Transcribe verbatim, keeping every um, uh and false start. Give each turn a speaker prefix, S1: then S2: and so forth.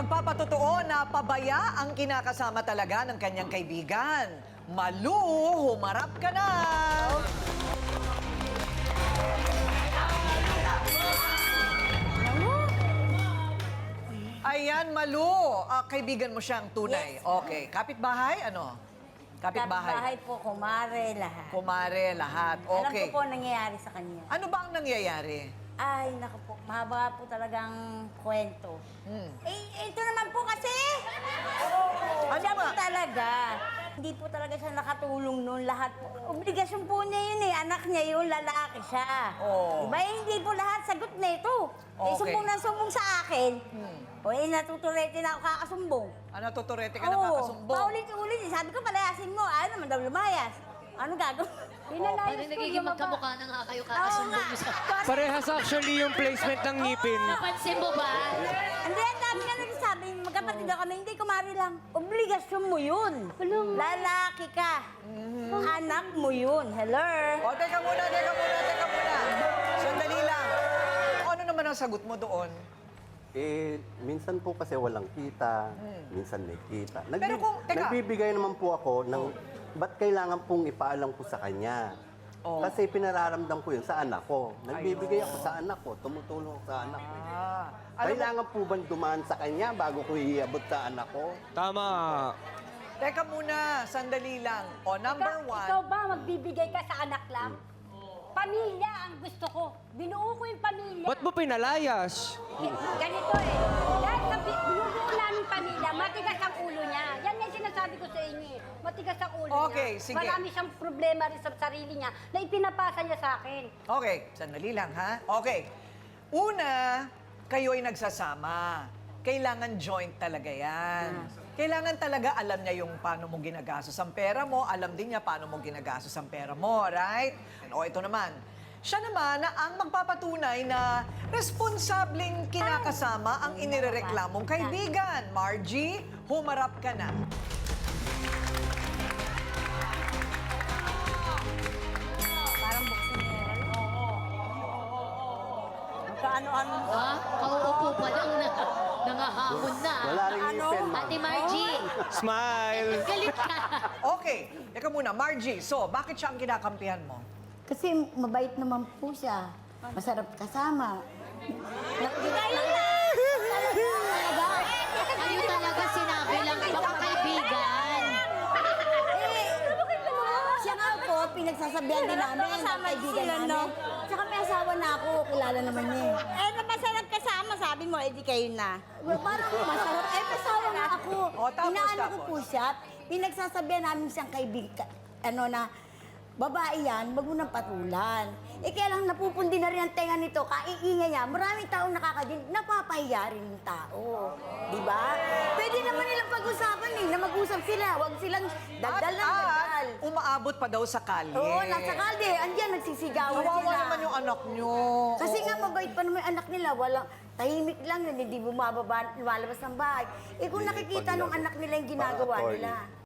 S1: Magpapatotoo na pabaya ang kinakasama talaga ng kanyang kaibigan. Malu, humarap ka na! Ayan, Malu. Ah, kaibigan mo siyang tunay.
S2: Yes.
S1: Okay. Kapitbahay? Ano? Kapitbahay.
S2: Kapitbahay po, kumare lahat.
S1: Kumare, lahat. Okay.
S2: Alam ko po ang nangyayari sa kanya.
S1: Ano ba ang nangyayari?
S2: Ay, naku po, mahaba po talagang kwento.
S1: Hmm.
S2: Eh, ito naman po kasi.
S1: Ano
S2: Siya po
S1: ba?
S2: talaga. Hindi po talaga siya nakatulong noon lahat po. Obligasyon po niya yun eh. Anak niya yun, lalaki siya.
S1: Oo.
S2: Diba? Eh, hindi po lahat sagot na ito. Eh,
S1: Okay.
S2: sumbong na sumbong sa akin.
S1: Hmm.
S2: O eh, natuturete na ako kakasumbong.
S1: Ano, tuturete ka ng
S2: Oo,
S1: kakasumbong?
S2: paulit-ulit. eh. Sabi ko, palayasin mo. Ayaw naman daw lumayas. Ano gagawin?
S3: Parang nagiging magkamukha na nga kayo kakasumbong mo sa...
S4: Parehas actually yung placement ng ngipin.
S3: Napansin mo ba?
S2: Hindi, ang dami nga nagsasabi, magkapatid daw kami, hindi kumari lang. Obligasyon mo yun. Lalaki ka. Anak mo yun. Hello?
S1: O, teka muna, teka muna, teka muna. Sandali lang. Ano naman ang sagot mo doon?
S5: Eh, minsan po kasi walang kita, minsan may kita. Nagbi-
S1: Pero kung- teka.
S5: Nagbibigay naman po ako ng, ba't kailangan pong ipaalam ko sa kanya?
S1: Oh.
S5: Kasi pinararamdam ko yun sa anak ko. Nagbibigay ako sa anak ko, tumutulong ako sa anak ko.
S1: Ah, alam mo,
S5: Kailangan po bang dumaan sa kanya bago ko iabot sa anak ko?
S4: Tama.
S1: teka muna, sandali lang. O, number
S6: Ikaw,
S1: one.
S6: ikaw ba magbibigay ka sa anak lang? Pamilya ang gusto ko. Binuo ko yung pamilya.
S4: Ba't mo pinalayas?
S6: Ganito eh. Dahil sa bi- binubuo namin pamilya, matigas ang ulo niya. Yan yung sinasabi ko sa inyo eh. Matigas ang ulo
S1: Okay,
S6: niya.
S1: sige.
S6: Marami siyang problema rin sa sarili niya na ipinapasa niya sa akin.
S1: Okay, sandali lang ha. Okay. Una, kayo ay nagsasama. Kailangan joint talaga yan. Kailangan talaga alam niya yung paano mo ginagastos ang pera mo, alam din niya paano mo ginagastos ang pera mo, right? O ito naman, siya naman na ang magpapatunay na responsableng kinakasama ang inirereklamong kaibigan. Margie, humarap ka na.
S2: Parang buksinera. Magkaano-ano.
S3: Ha? Kauupo pa lang na nangahamon na.
S5: Wala rin
S2: Ano?
S5: ngipin, ma'am.
S3: Ate Margie,
S4: Smile.
S3: galit ka.
S1: Okay, teka muna, Margie, so bakit siya ang kinakampihan mo?
S7: Kasi mabait naman po siya. Masarap kasama.
S2: Kayo na!
S3: Kayo talaga sinabi lang ibang kaibigan.
S7: Siya nga po, pinagsasabihan din namin ng
S2: Kasama
S7: kaibigan
S2: sila,
S7: namin.
S2: no?
S7: Tsaka may asawa na ako, kilala naman niya eh.
S2: Eh, napasarap kasama, sabi mo, edi kayo na.
S7: Well, parang masarap. Eh, asawa na ako.
S1: O, tapos,
S7: Inaano ko
S1: tapos?
S7: po siya, pinagsasabihan namin siyang kaibigan, ano na, babae yan, wag mo nang patulan. Eh, kaya lang napupundi na rin ang tenga nito, kaiingay niya. Maraming taong nakakadinig, napapahiya rin yung tao. Di ba? Pwede naman nilang pag-usapan eh, na mag-usap sila. Wag silang dagdal ng
S1: At,
S7: dagdal.
S1: at umaabot pa daw sa kalye.
S7: Oo, nasa kalde. Andiyan, nagsisigawan
S1: Kawawa
S7: sila.
S1: naman yung anak nyo.
S7: Kasi nga mabait pa naman yung anak nila. Walang, tahimik lang yun, hindi bumababa, lumalabas ng bahay. Eh kung nakikita nung anak nila yung ginagawa
S5: Para attorney.
S7: nila.